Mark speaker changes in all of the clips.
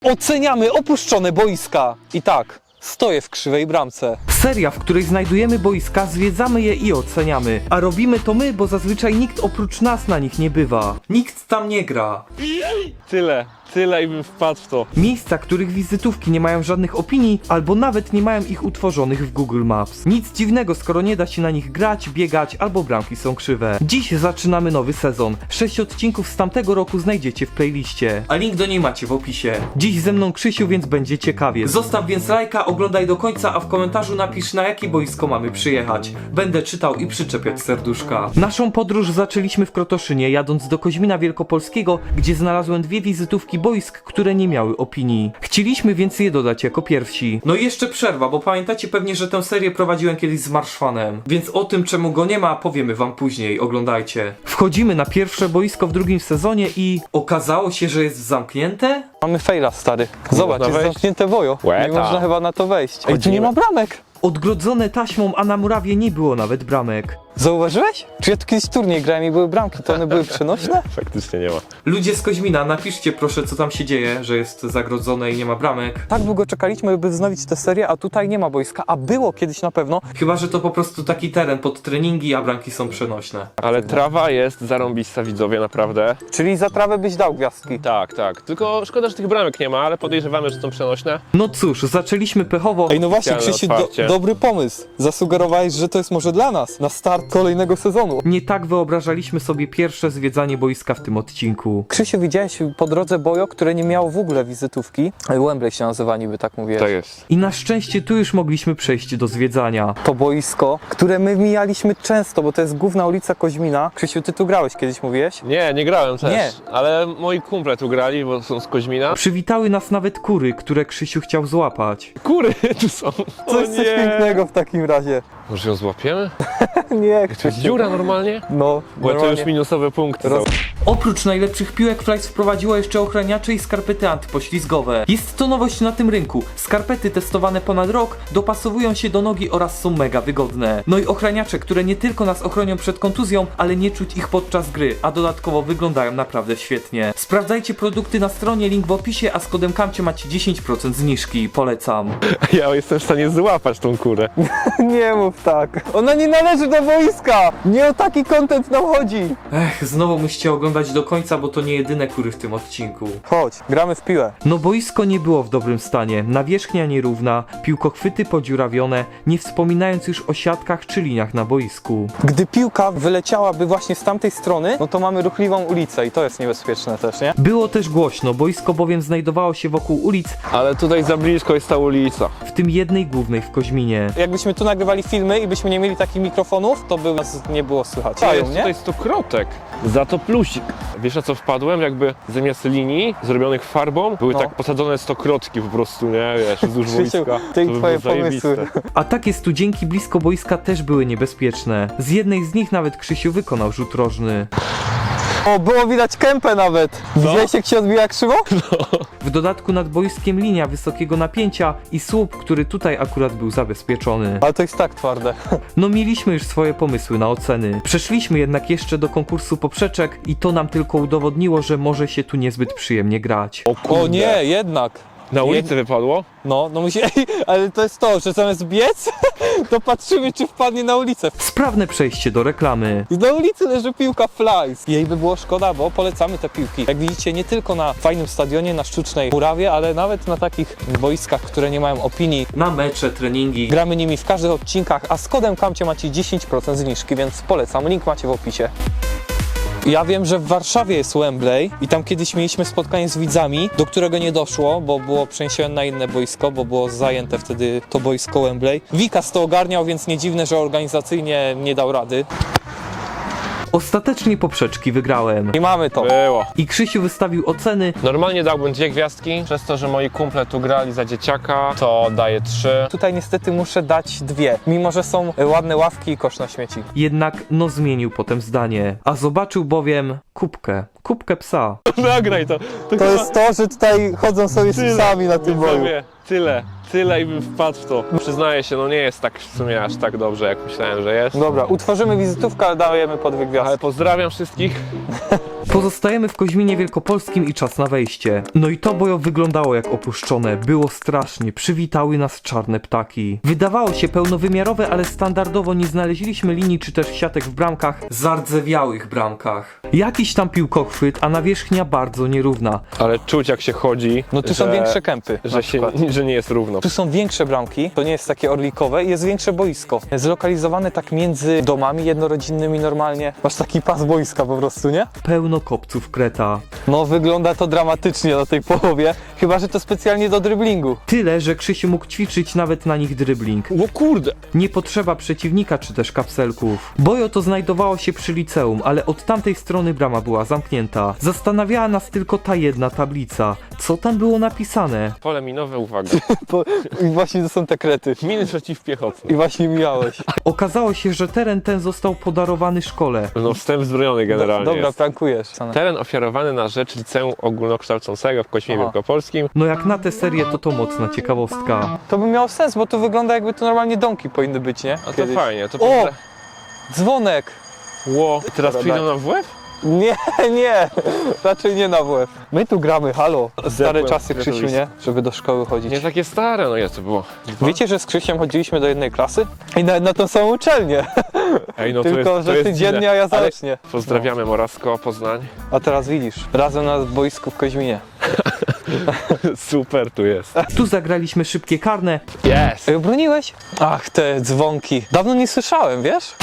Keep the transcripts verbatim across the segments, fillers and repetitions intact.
Speaker 1: Oceniamy opuszczone boiska. I tak, stoję w krzywej bramce.
Speaker 2: Seria, w której znajdujemy boiska, zwiedzamy je i oceniamy. A robimy to my, bo zazwyczaj nikt oprócz nas na nich nie bywa. Nikt tam nie gra.
Speaker 3: Tyle, tyle i bym wpadł w to.
Speaker 2: Miejsca, których wizytówki nie mają żadnych opinii, albo nawet nie mają ich utworzonych w Google Maps. Nic dziwnego, skoro nie da się na nich grać, biegać, albo bramki są krzywe. Dziś zaczynamy nowy sezon. Sześć odcinków z tamtego roku znajdziecie w playliście, a link do niej macie w opisie. Dziś ze mną Krzysiu, więc będzie ciekawie. Zostaw więc lajka, oglądaj do końca, a w komentarzu napisz, na jakie boisko mamy przyjechać. Będę czytał i przyczepiać serduszka. Naszą podróż zaczęliśmy w Krotoszynie, jadąc do Koźmina Wielkopolskiego, gdzie znalazłem dwie wizytówki boisk, które nie miały opinii. Chcieliśmy więc je dodać jako pierwsi. No i jeszcze przerwa, bo pamiętacie pewnie, że tę serię prowadziłem kiedyś z Marszwanem. Więc o tym, czemu go nie ma, powiemy wam później, oglądajcie. Wchodzimy na pierwsze boisko w drugim sezonie i okazało się, że jest zamknięte?
Speaker 1: Mamy faila, stary. Zobacz,
Speaker 3: można
Speaker 1: jest
Speaker 3: wejść?
Speaker 1: zamknięte bojo.
Speaker 3: Łeta.
Speaker 1: Nie można chyba na to wejść. Ej, tu nie
Speaker 3: Chodzimy.
Speaker 1: ma bramek.
Speaker 2: Odgrodzone taśmą, a na murawie nie było nawet bramek.
Speaker 1: Zauważyłeś? Czy ja tu kiedyś turniej grałem i były bramki, to one były przenośne?
Speaker 3: Faktycznie nie ma.
Speaker 2: Ludzie z Koźmina, napiszcie proszę, co tam się dzieje, że jest zagrodzone i nie ma bramek.
Speaker 1: Tak długo czekaliśmy, by wznowić tę serię, a tutaj nie ma boiska, a było kiedyś na pewno.
Speaker 2: Chyba, że to po prostu taki teren pod treningi, a bramki są przenośne.
Speaker 3: Ale trawa jest zarąbista, widzowie, naprawdę.
Speaker 1: Czyli za trawę byś dał gwiazdki.
Speaker 3: Tak, tak. Tylko szkoda, że tych bramek nie ma, ale podejrzewamy, że są przenośne.
Speaker 2: No cóż, zaczęliśmy pechowo.
Speaker 1: Ej, no właśnie,
Speaker 3: Specjalne
Speaker 1: Krzysiu, do,
Speaker 3: otwarcie.
Speaker 1: dobry pomysł. Zasugerowałeś, że to jest może dla nas, na start kolejnego sezonu.
Speaker 2: Nie tak wyobrażaliśmy sobie pierwsze zwiedzanie boiska w tym odcinku.
Speaker 1: Krzysiu, widziałeś po drodze bojo, które nie miało w ogóle wizytówki. Wembley się nazywa niby, tak mówiłeś.
Speaker 3: Tak jest.
Speaker 2: I na szczęście tu już mogliśmy przejść do zwiedzania.
Speaker 1: To boisko, które my mijaliśmy często, bo to jest główna ulica Koźmina. Krzysiu, ty tu grałeś kiedyś, mówiłeś?
Speaker 3: Nie, nie grałem też.
Speaker 1: Nie.
Speaker 3: Ale moi kumple tu grali, bo są z Koźmina.
Speaker 2: Przywitały nas nawet kury, które Krzysiu chciał złapać.
Speaker 3: Kury tu są.
Speaker 1: Coś, coś pięknego w takim razie.
Speaker 3: Może ją złapiemy?
Speaker 1: Nie,
Speaker 3: To jest
Speaker 1: Krzysiu.
Speaker 3: dziura normalnie?
Speaker 1: No,
Speaker 3: Bo to
Speaker 1: normalnie.
Speaker 3: już minusowe punkty
Speaker 1: Roz-
Speaker 3: są.
Speaker 2: Oprócz najlepszych piłek Flies wprowadziła jeszcze ochraniacze i skarpety antypoślizgowe. Jest to nowość na tym rynku. Skarpety testowane ponad rok dopasowują się do nogi oraz są mega wygodne. No i ochraniacze, które nie tylko nas ochronią przed kontuzją, ale nie czuć ich podczas gry, a dodatkowo wyglądają naprawdę świetnie. Sprawdzajcie produkty na stronie, link w opisie, a z kodem KAMCIE macie dziesięć procent zniżki. Polecam.
Speaker 3: Ja jestem w stanie złapać tą kurę.
Speaker 1: Nie mów tak. Ona nie należy do boiska. Nie o taki content nam chodzi.
Speaker 2: Ech, znowu musicie oglądać do końca, bo to nie jedyne kury w tym odcinku.
Speaker 1: Chodź, gramy w piłę.
Speaker 2: No boisko nie było w dobrym stanie, nawierzchnia nierówna, piłkochwyty podziurawione, nie wspominając już o siatkach czy liniach na boisku.
Speaker 1: Gdy piłka wyleciałaby właśnie z tamtej strony, no to mamy ruchliwą ulicę i to jest niebezpieczne też, nie?
Speaker 2: Było też głośno, boisko bowiem znajdowało się wokół ulic,
Speaker 3: Ale tutaj za blisko jest ta ulica.
Speaker 2: w tym jednej głównej w Koźminie.
Speaker 1: Jakbyśmy tu nagrywali filmy i byśmy nie mieli takich mikrofonów, to by nas nie było słychać.
Speaker 3: To jest
Speaker 1: nie?
Speaker 3: tutaj stokrotek. Za to plusik. Wiesz na co wpadłem? Jakby zamiast linii zrobionych farbą były
Speaker 1: No.
Speaker 3: tak posadzone stokrotki po prostu, nie? Wiesz, wzdłuż
Speaker 1: Krzysiu,
Speaker 3: boiska.
Speaker 1: ty i
Speaker 3: To by
Speaker 1: twoje
Speaker 3: było
Speaker 1: pomysły.
Speaker 3: zajebiste.
Speaker 2: A takie studzienki blisko boiska też były niebezpieczne. Z jednej z nich nawet Krzysiu wykonał rzut rożny.
Speaker 1: O, było widać kępę nawet. Widziałeś, jak się odbija krzywo?
Speaker 2: W dodatku nad boiskiem linia wysokiego napięcia i słup, który tutaj akurat był zabezpieczony.
Speaker 1: Ale to jest tak twarde.
Speaker 2: No mieliśmy już swoje pomysły na oceny. Przeszliśmy jednak jeszcze do konkursu poprzeczek i to nam tylko udowodniło, że może się tu niezbyt przyjemnie grać.
Speaker 3: O kurde.
Speaker 1: O nie, jednak.
Speaker 3: Na ulicy wypadło?
Speaker 1: No, no musi... ale to jest to, że zamiast biec, to patrzymy, czy wpadnie na ulicę.
Speaker 2: Sprawne przejście do reklamy.
Speaker 1: I na ulicy leży piłka Flies. Jej by było szkoda, bo polecamy te piłki. Jak widzicie, nie tylko na fajnym stadionie, na sztucznej murawie, ale nawet na takich boiskach, które nie mają opinii.
Speaker 2: Na mecze, treningi.
Speaker 1: Gramy nimi w każdych odcinkach, a z kodem KAMCIE macie dziesięć procent zniżki, więc polecam. Link macie w opisie. Ja wiem, że w Warszawie jest Wembley i tam kiedyś mieliśmy spotkanie z widzami, do którego nie doszło, bo było przeniesione na inne boisko, bo było zajęte wtedy to boisko Wembley. Wikas to ogarniał, więc nie dziwne, że organizacyjnie nie dał rady.
Speaker 2: Ostatecznie poprzeczki wygrałem.
Speaker 1: I mamy to.
Speaker 3: Było.
Speaker 2: I Krzysiu wystawił oceny.
Speaker 3: Normalnie dałbym dwie gwiazdki. Przez to, że moi kumple tu grali za dzieciaka, to daję trzy.
Speaker 1: Tutaj niestety muszę dać dwie, mimo że są ładne ławki i kosz na śmieci.
Speaker 2: Jednak no zmienił potem zdanie. A zobaczył bowiem kubkę. Kubkę psa.
Speaker 3: Nagraj to.
Speaker 1: To jest to, że tutaj chodzą sobie z psami na tym boju.
Speaker 3: Widzowie, Tyle. Tyle i bym wpadł w to. Przyznaję się, no nie jest tak w sumie aż tak dobrze, jak myślałem, że jest.
Speaker 1: Dobra, utworzymy wizytówkę, ale dajemy po dwie gwiazdki.
Speaker 3: Ale pozdrawiam wszystkich.
Speaker 2: Pozostajemy w Koźminie Wielkopolskim i czas na wejście. No i to bojo wyglądało jak opuszczone, było strasznie, przywitały nas czarne ptaki. Wydawało się pełnowymiarowe, ale standardowo nie znaleźliśmy linii czy też siatek w bramkach, zardzewiałych bramkach. Jakiś tam piłkochwyt, a nawierzchnia bardzo nierówna.
Speaker 3: Ale czuć jak się chodzi,
Speaker 1: No tu
Speaker 3: że,
Speaker 1: są większe kępy. na
Speaker 3: że, się,
Speaker 1: przykład.
Speaker 3: że nie jest równo.
Speaker 1: Tu są większe bramki, to nie jest takie orlikowe i jest większe boisko. Zlokalizowane tak między domami jednorodzinnymi normalnie. Masz taki pas boiska po prostu, nie?
Speaker 2: Pełno kopców kreta.
Speaker 1: No wygląda to dramatycznie na tej połowie, chyba że to specjalnie do dryblingu.
Speaker 2: Tyle, że Krzysiu mógł ćwiczyć nawet na nich dribbling.
Speaker 3: O kurde!
Speaker 2: Nie potrzeba przeciwnika czy też kapselków. Bojo to znajdowało się przy liceum, ale od tamtej strony brama była zamknięta. Zastanawiała nas tylko ta jedna tablica. Co tam było napisane?
Speaker 3: Pole minowe, uwaga.
Speaker 1: Bo, I właśnie to są te krety.
Speaker 3: Miny przeciwpiechotne.
Speaker 1: I właśnie mijałeś.
Speaker 2: Okazało się, że teren ten został podarowany szkole.
Speaker 3: No wstęp zbrojony generalnie
Speaker 1: Dobra,
Speaker 3: jest.
Speaker 1: prankujesz.
Speaker 3: Teren ofiarowany na rzecz Liceum Ogólnokształcącego w Koźmie
Speaker 1: Aha.
Speaker 3: Wielkopolskim.
Speaker 2: No jak na tę serię to to mocna ciekawostka.
Speaker 1: To by miało sens, bo tu wygląda jakby to normalnie domki powinny być, nie?
Speaker 3: A to
Speaker 1: Kiedyś.
Speaker 3: fajnie. To
Speaker 1: O!
Speaker 3: pozdra-
Speaker 1: Dzwonek!
Speaker 3: Ło, teraz
Speaker 1: Dobra,
Speaker 3: przyjdą
Speaker 1: daj.
Speaker 3: nam w łeb?
Speaker 1: Nie, nie, raczej nie na W F. My tu gramy, halo. Stare
Speaker 3: Zepłem
Speaker 1: czasy, Krzysiu,
Speaker 3: kretowisko.
Speaker 1: nie? Żeby do szkoły chodzić.
Speaker 3: Nie takie stare, no jest to było.
Speaker 1: Wiecie, że z Krzysiem chodziliśmy do jednej klasy? I nawet na tą samą uczelnię.
Speaker 3: Ej, no to
Speaker 1: Tylko,
Speaker 3: jest, to
Speaker 1: że
Speaker 3: jest
Speaker 1: ty dziennie,
Speaker 3: dziwne.
Speaker 1: a ja
Speaker 3: Ale
Speaker 1: zacznie.
Speaker 3: Pozdrawiamy Morawsko, Poznań.
Speaker 1: A teraz widzisz, razem na boisku w Koźminie.
Speaker 3: Super tu jest.
Speaker 2: Tu zagraliśmy szybkie karne.
Speaker 3: Yes!
Speaker 1: Ej, obroniłeś? Ach, te dzwonki. Dawno nie słyszałem, wiesz?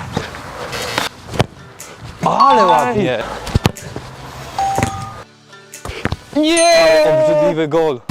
Speaker 1: Ale ładnie. Nie! Obrzydliwy gol.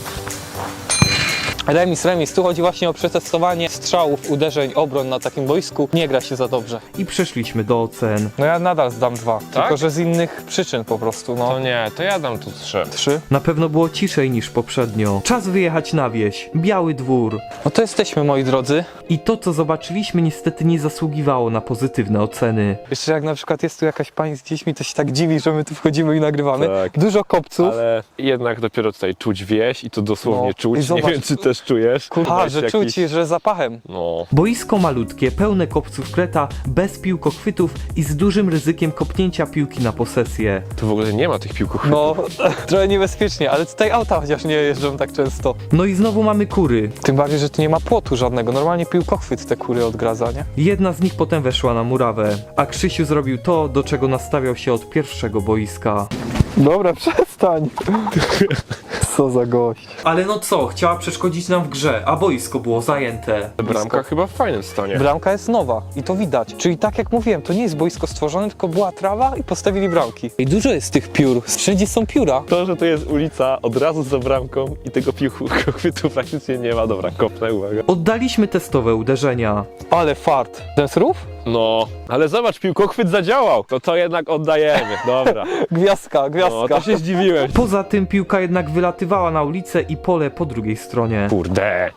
Speaker 1: Remis, remis. Tu chodzi właśnie o przetestowanie strzałów, uderzeń, obron na takim boisku. Nie gra się za dobrze.
Speaker 2: I przeszliśmy do ocen.
Speaker 1: No ja nadal zdam dwa.
Speaker 3: Tak?
Speaker 1: Tylko, że z innych przyczyn po prostu, no.
Speaker 3: To nie, to ja dam tu trzy.
Speaker 1: Trzy.
Speaker 2: Na pewno było ciszej niż poprzednio. Czas wyjechać na wieś. Biały dwór.
Speaker 1: No to jesteśmy, moi drodzy.
Speaker 2: I to, co zobaczyliśmy, niestety nie zasługiwało na pozytywne oceny.
Speaker 1: Jeszcze jak na przykład jest tu jakaś pani z dziećmi, to się tak dziwi, że my tu wchodzimy i nagrywamy.
Speaker 3: Tak.
Speaker 1: Dużo kopców.
Speaker 3: Ale jednak dopiero tutaj czuć wieś i to dosłownie
Speaker 1: No. I
Speaker 3: czuć. Nie
Speaker 1: zobacz.
Speaker 3: wiem, czy też czujesz.
Speaker 1: A,
Speaker 3: Weź
Speaker 1: że
Speaker 3: jakiś-
Speaker 1: czuć, że zapachem.
Speaker 3: No.
Speaker 2: Boisko malutkie, pełne kopców kreta, bez piłkochwytów i z dużym ryzykiem kopnięcia piłki na posesję.
Speaker 3: Tu w ogóle nie ma tych piłków.
Speaker 1: No, trochę niebezpiecznie, ale tutaj auta chociaż nie jeżdżą tak często.
Speaker 2: No i znowu mamy kury.
Speaker 1: Tym bardziej, że tu nie ma płotu żadnego. Normalnie piłkochwyt te kury odgradza, nie?
Speaker 2: Jedna z nich potem weszła na murawę, a Krzysiu zrobił to, do czego nastawiał się od pierwszego boiska.
Speaker 1: Dobra, przestań. Co za gość.
Speaker 2: Ale no co, chciała przeszkodzić nam w grze, a boisko było zajęte.
Speaker 3: Bramka chyba w fajnym stanie.
Speaker 1: Bramka jest nowa i to widać. Czyli tak jak mówiłem, to nie jest boisko stworzone, tylko była trawa i postawili bramki. I dużo jest tych piór. Wszędzie są pióra.
Speaker 3: To, że to jest ulica od razu za bramką i tego piłkochwytu praktycznie nie ma. Dobra, kopnę, uwaga.
Speaker 2: Oddaliśmy testowe uderzenia.
Speaker 1: Ale fart. Ten srów?
Speaker 3: No, ale zobacz, piłkochwyt zadziałał. To to jednak oddajemy. Dobra.
Speaker 1: Gwiazdka, gwiazdka.
Speaker 3: No, to się zdziwiłem.
Speaker 2: Poza tym piłka jednak wylatywała na ulicę i pole po drugiej stronie.
Speaker 3: Kurde.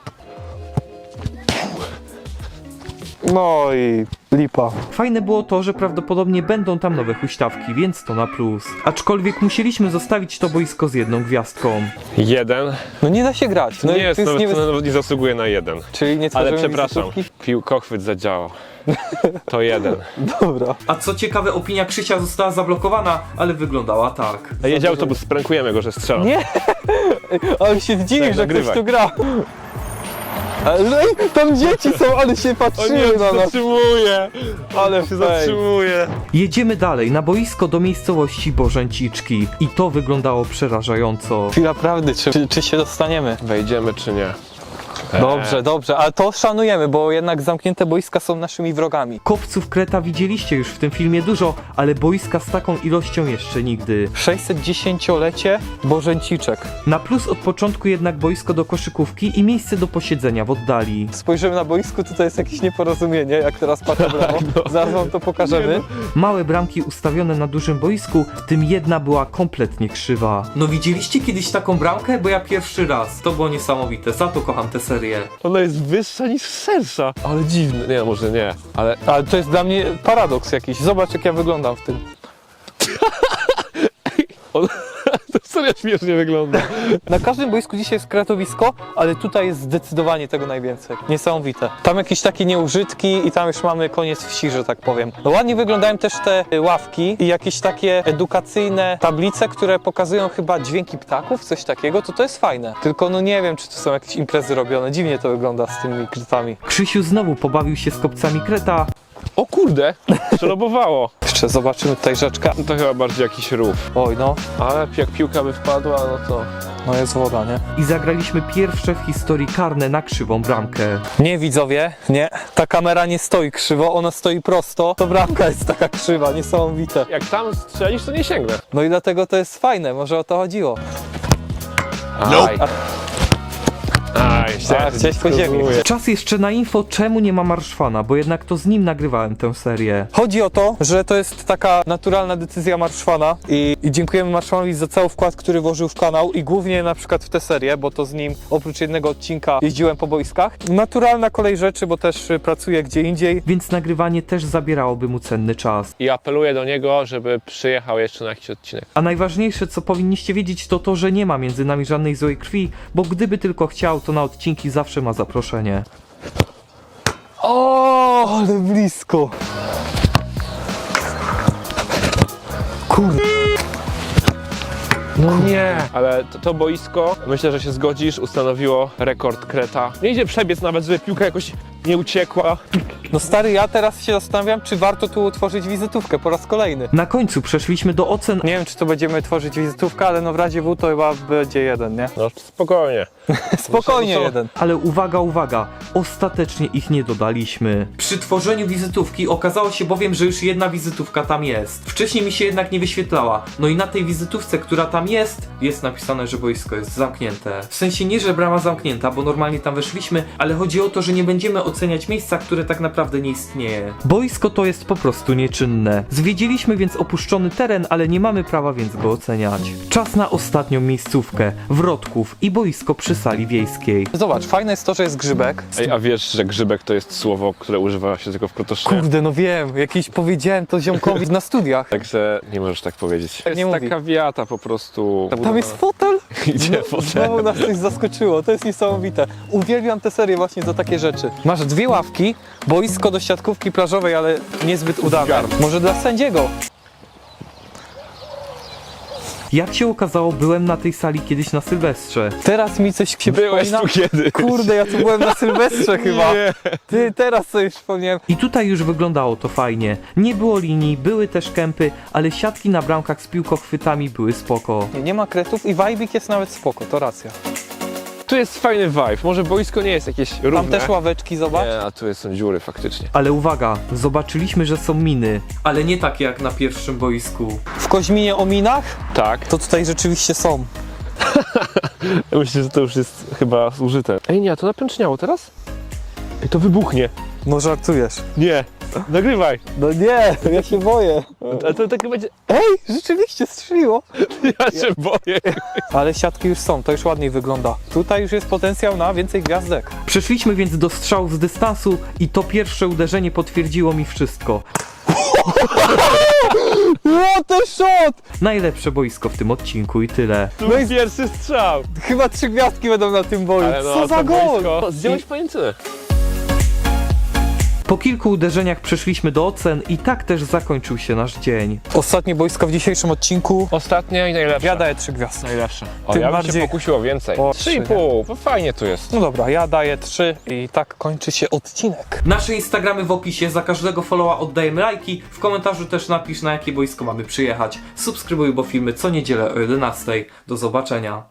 Speaker 1: No i lipa.
Speaker 2: Fajne było to, że prawdopodobnie będą tam nowe huśtawki, więc to na plus. Aczkolwiek musieliśmy zostawić to boisko z jedną gwiazdką.
Speaker 3: Jeden.
Speaker 1: No nie da się grać. No
Speaker 3: nie
Speaker 1: i
Speaker 3: jest,
Speaker 1: to jest
Speaker 3: nawet,
Speaker 1: niebez...
Speaker 3: to nawet nie zasługuje na jeden.
Speaker 1: Czyli nie
Speaker 3: Ale
Speaker 1: tworzymy
Speaker 3: przepraszam,
Speaker 1: wizytówki?
Speaker 3: piłkochwyt zadziałał. To jeden.
Speaker 1: Dobra.
Speaker 2: A co ciekawe, opinia Krzysia została zablokowana, ale wyglądała tak.
Speaker 3: A jedzie autobus, sprankujemy go, że strzela.
Speaker 1: Nie! Ale się dziwi,
Speaker 3: Tak,
Speaker 1: że
Speaker 3: nagrywaj.
Speaker 1: ktoś tu gra. Ale ej, tam dzieci są, ale się patrzyły na nas.
Speaker 3: zatrzymuje!
Speaker 1: Ale
Speaker 3: się
Speaker 1: fej.
Speaker 3: zatrzymuje!
Speaker 2: Jedziemy dalej, na boisko do miejscowości Bożęciczki. I to wyglądało przerażająco.
Speaker 1: Chwila prawdy, czy, czy, czy się dostaniemy?
Speaker 3: Wejdziemy czy nie?
Speaker 1: Dobrze, dobrze, ale to szanujemy, bo jednak zamknięte boiska są naszymi wrogami.
Speaker 2: Kopców kreta widzieliście już w tym filmie dużo, ale boiska z taką ilością jeszcze nigdy.
Speaker 1: sześćsetdziesięciolecie Bożęciczek.
Speaker 2: Na plus od początku jednak boisko do koszykówki i miejsce do posiedzenia w oddali.
Speaker 1: Spojrzymy na boisku, tutaj jest jakieś nieporozumienie, jak teraz patrzę brawo. Zaraz wam to pokażemy.
Speaker 2: Małe bramki ustawione na dużym boisku, w tym jedna była kompletnie krzywa. No widzieliście kiedyś taką bramkę? Bo ja pierwszy raz. To było niesamowite, za to kocham tę serię.
Speaker 3: Ona jest wyższa niż szersza. Ale dziwne. Nie, może nie. Ale
Speaker 1: Ale to jest dla mnie paradoks jakiś. Zobacz, jak ja wyglądam w tym.
Speaker 3: on, to Serio śmiesznie wygląda.
Speaker 1: Na każdym boisku dzisiaj jest kretowisko, ale tutaj jest zdecydowanie tego najwięcej. Niesamowite. Tam jakieś takie nieużytki i tam już mamy koniec wsi, że tak powiem. No, ładnie wyglądają też te ławki i jakieś takie edukacyjne tablice, które pokazują chyba dźwięki ptaków, coś takiego, to to jest fajne. Tylko no nie wiem, czy to są jakieś imprezy robione. Dziwnie to wygląda z tymi kretami.
Speaker 2: Krzysiu znowu pobawił się z kopcami kreta,
Speaker 3: O kurde, przelobowało.
Speaker 1: Jeszcze zobaczymy tutaj rzeczka.
Speaker 3: No to chyba bardziej jakiś rów.
Speaker 1: Oj no,
Speaker 3: Ale jak piłka by wpadła, no to...
Speaker 1: no jest woda, nie?
Speaker 2: i zagraliśmy pierwsze w historii karne na krzywą bramkę.
Speaker 1: Nie widzowie, nie. Ta kamera nie stoi krzywo, ona stoi prosto. To bramka jest taka krzywa, niesamowite.
Speaker 3: Jak tam strzelisz, to nie sięgnę.
Speaker 1: No i dlatego to jest fajne, może o to chodziło.
Speaker 3: Aj. Aj,
Speaker 1: A, chciałeś po ziemi.
Speaker 2: Czas jeszcze na info, czemu nie ma Marszwana, bo jednak to z nim nagrywałem tę serię.
Speaker 1: Chodzi o to, że to jest taka naturalna decyzja Marszwana i, i dziękujemy Marszwanowi za cały wkład, który włożył w kanał i głównie na przykład w tę serię, bo to z nim oprócz jednego odcinka jeździłem po boiskach. Naturalna kolej rzeczy, bo też y, pracuję gdzie indziej.
Speaker 2: Więc nagrywanie też zabierałoby mu cenny czas.
Speaker 3: I apeluję do niego, żeby przyjechał jeszcze na jakiś odcinek.
Speaker 2: A najważniejsze, co powinniście wiedzieć, to to, że nie ma między nami żadnej złej krwi, bo gdyby tylko chciał, to na odcinki zawsze ma zaproszenie.
Speaker 1: O, ale blisko. Kurde.
Speaker 3: No nie! Ale to, to boisko, myślę, że się zgodzisz, ustanowiło rekord kreta. Nie idzie przebiec nawet, żeby piłka jakoś nie uciekła.
Speaker 1: No stary, ja teraz się zastanawiam, czy warto tu utworzyć wizytówkę po raz kolejny.
Speaker 2: Na końcu przeszliśmy do ocen,
Speaker 1: Nie wiem, czy to będziemy tworzyć wizytówkę, ale no w razie W to chyba będzie jeden, nie?
Speaker 3: No spokojnie.
Speaker 1: Spokojnie
Speaker 3: No to-
Speaker 1: jeden.
Speaker 2: ale uwaga, uwaga, ostatecznie ich nie dodaliśmy. Przy tworzeniu wizytówki okazało się bowiem, że już jedna wizytówka tam jest. Wcześniej mi się jednak nie wyświetlała. No i na tej wizytówce, która tam jest, jest napisane, że boisko jest zamknięte. W sensie nie, że brama zamknięta, bo normalnie tam weszliśmy, ale chodzi o to, że nie będziemy oceniać miejsca, które tak naprawdę nie istnieje. Boisko to jest po prostu nieczynne. Zwiedziliśmy więc opuszczony teren, ale nie mamy prawa więc go oceniać. Czas na ostatnią miejscówkę, Wrotków i boisko przy sali wiejskiej.
Speaker 1: Zobacz, fajne jest to, że jest grzybek.
Speaker 3: Ej, a wiesz, że grzybek to jest słowo, które używa się tylko w Krotoszynie?
Speaker 1: Kurde, no wiem, jakiś powiedziałem to ziomkowi na studiach.
Speaker 3: Także nie możesz tak powiedzieć.
Speaker 1: Nie
Speaker 3: Jest
Speaker 1: mówi.
Speaker 3: taka wiata po prostu.
Speaker 1: Tam jest fotel?
Speaker 3: Idzie
Speaker 1: No, znowu
Speaker 3: fotel.
Speaker 1: nas coś zaskoczyło, to jest niesamowite. Uwielbiam tę serię właśnie za takie rzeczy. Masz dwie ławki, boisko do siatkówki plażowej, ale niezbyt udane.
Speaker 3: Garb.
Speaker 1: Może dla sędziego.
Speaker 2: Jak się okazało, byłem na tej sali kiedyś na Sylwestrze.
Speaker 1: Teraz mi coś się
Speaker 3: Byłeś
Speaker 1: przypomina.
Speaker 3: tu kiedyś.
Speaker 1: Kurde, ja tu byłem na Sylwestrze chyba.
Speaker 3: Nie.
Speaker 1: Ty, teraz sobie przypomniałem.
Speaker 2: I tutaj już wyglądało to fajnie. Nie było linii, były też kępy, ale siatki na bramkach z piłkochwytami były spoko.
Speaker 1: Nie, nie ma kretów i wajbik jest nawet spoko, to racja.
Speaker 3: Tu jest fajny vibe. Może boisko nie jest jakieś równe.
Speaker 1: Tam też ławeczki, zobacz.
Speaker 3: Nie, a tu są dziury faktycznie.
Speaker 2: Ale uwaga, zobaczyliśmy, że są miny. Ale nie takie jak na pierwszym boisku.
Speaker 1: W Koźminie o minach,
Speaker 3: Tak.
Speaker 1: to tutaj rzeczywiście są.
Speaker 3: Myślę, że to już jest chyba zużyte. Ej, nie, a to napęczniało teraz? Ej, to wybuchnie.
Speaker 1: No żartujesz.
Speaker 3: Nie. Nagrywaj.
Speaker 1: No nie, ja się boję.
Speaker 3: A to tak będzie...
Speaker 1: Ej, rzeczywiście strzeliło.
Speaker 3: Ja się boję.
Speaker 1: Ale siatki już są, to już ładniej wygląda. Tutaj już jest potencjał na więcej gwiazdek.
Speaker 2: Przeszliśmy więc do strzałów z dystansu i to pierwsze uderzenie potwierdziło mi wszystko.
Speaker 1: What a shot!
Speaker 2: Najlepsze boisko w tym odcinku i tyle.
Speaker 3: Tu jest pierwszy strzał.
Speaker 1: Chyba trzy gwiazdki będą na tym boju.
Speaker 3: Ale no,
Speaker 1: Co za
Speaker 3: to
Speaker 1: gol!
Speaker 3: boisko... Zdjąłeś pajęczynę.
Speaker 2: Po kilku uderzeniach przeszliśmy do ocen i tak też zakończył się nasz dzień.
Speaker 1: Ostatnie boisko w dzisiejszym odcinku.
Speaker 3: Ostatnia i najlepsza.
Speaker 1: Ja daję trzy gwiazdy.
Speaker 3: Najlepsza. O,
Speaker 1: Tym
Speaker 3: ja bym
Speaker 1: bardziej-
Speaker 3: się pokusił o więcej.
Speaker 1: O,
Speaker 3: Trzy i
Speaker 1: trzy,
Speaker 3: pół. Bo fajnie tu jest.
Speaker 1: No dobra, ja daję trzy i tak kończy się odcinek.
Speaker 2: Nasze Instagramy w opisie, za każdego followa oddajemy lajki, w komentarzu też napisz, na jakie boisko mamy przyjechać. Subskrybuj, bo filmy co niedzielę o jedenastej. Do zobaczenia.